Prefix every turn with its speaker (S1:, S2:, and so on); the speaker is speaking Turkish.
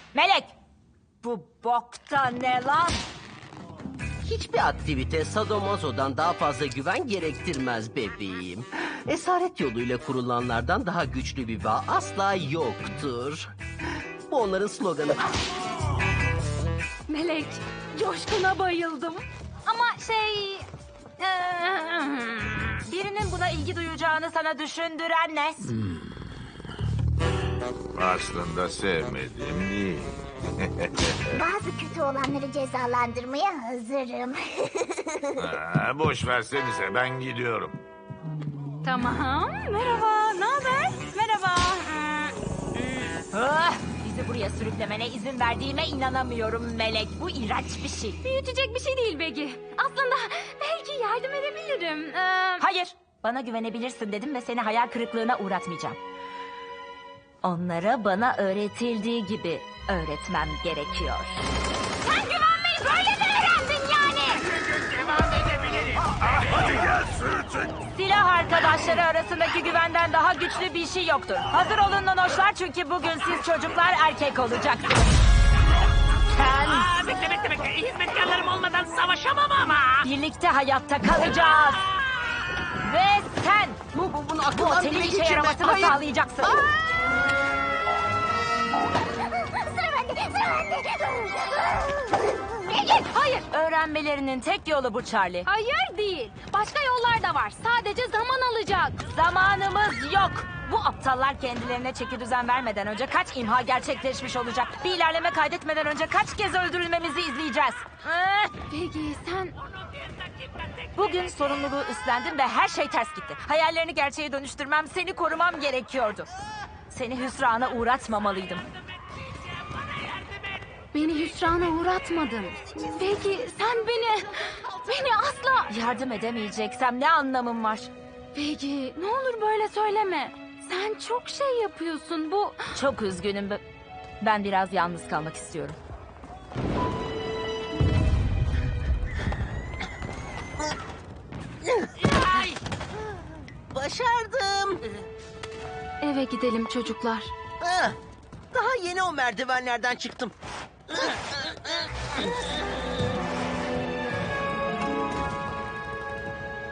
S1: Melek! Bu bokta ne lan?
S2: Hiçbir aktivite sadomasodan daha fazla güven gerektirmez bebeğim. Esaret yoluyla kurulanlardan daha güçlü bir bağ asla yoktur. Bu onların sloganı.
S3: Melek, coşkuna bayıldım. Ama
S1: Birinin buna ilgi duyacağını sana düşündüren ne?
S4: Aslında sevmedim değil.
S5: Bazı kötü olanları cezalandırmaya hazırım.
S4: Boş versenize ben gidiyorum.
S3: Tamam, merhaba, ne haber? Merhaba.
S1: Bizi buraya sürüklemene izin verdiğime inanamıyorum Melek. Bu iğrenç bir şey.
S3: Büyütecek bir şey değil Begi. Aslında belki yardım edebilirim.
S1: Hayır, bana güvenebilirsin dedim ve seni hayal kırıklığına uğratmayacağım. Onlara bana öğretildiği gibi öğretmem gerekiyor.
S3: Sen güvenmeyi böyle mi öğrendin yani?
S1: Silah arkadaşları arasındaki güvenden daha güçlü bir şey yoktur. Hazır olun nonoşlar çünkü bugün siz çocuklar erkek olacaksınız. Sen
S6: Bekle. Hizmetkarlarım olmadan savaşamam ama.
S1: birlikte hayatta kalacağız. Ve sen
S2: Bunu
S1: bu
S2: aklından
S1: otelin
S2: bile
S1: işe
S2: geçirme.
S1: yaramasını
S2: Hayır.
S1: sağlayacaksın.
S5: Sıra bende.
S3: Begi, hayır.
S1: Öğrenmelerinin tek yolu bu Charlie.
S3: Hayır değil. Başka yollar da var. Sadece zaman alacak.
S1: Zamanımız yok. Bu aptallar kendilerine çeki düzen vermeden önce kaç imha gerçekleşmiş olacak? Bir ilerleme kaydetmeden önce kaç kez öldürülmemizi izleyeceğiz?
S3: Begi, sen...
S1: Bugün sorumluluğu üstlendim ve her şey ters gitti. Hayallerini gerçeğe dönüştürmem, seni korumam gerekiyordu. Seni hüsrana uğratmamalıydım.
S3: Beni hüsrana uğratmadın. Begi, sen beni asla...
S1: Yardım edemeyeceksem ne anlamım var?
S3: Begi, ne olur böyle söyleme. Sen çok şey yapıyorsun. Bu...
S1: Çok üzgünüm. Ben biraz yalnız kalmak istiyorum.
S2: Başardım.
S3: Eve gidelim çocuklar.
S2: Ah, daha yeni o merdivenlerden çıktım.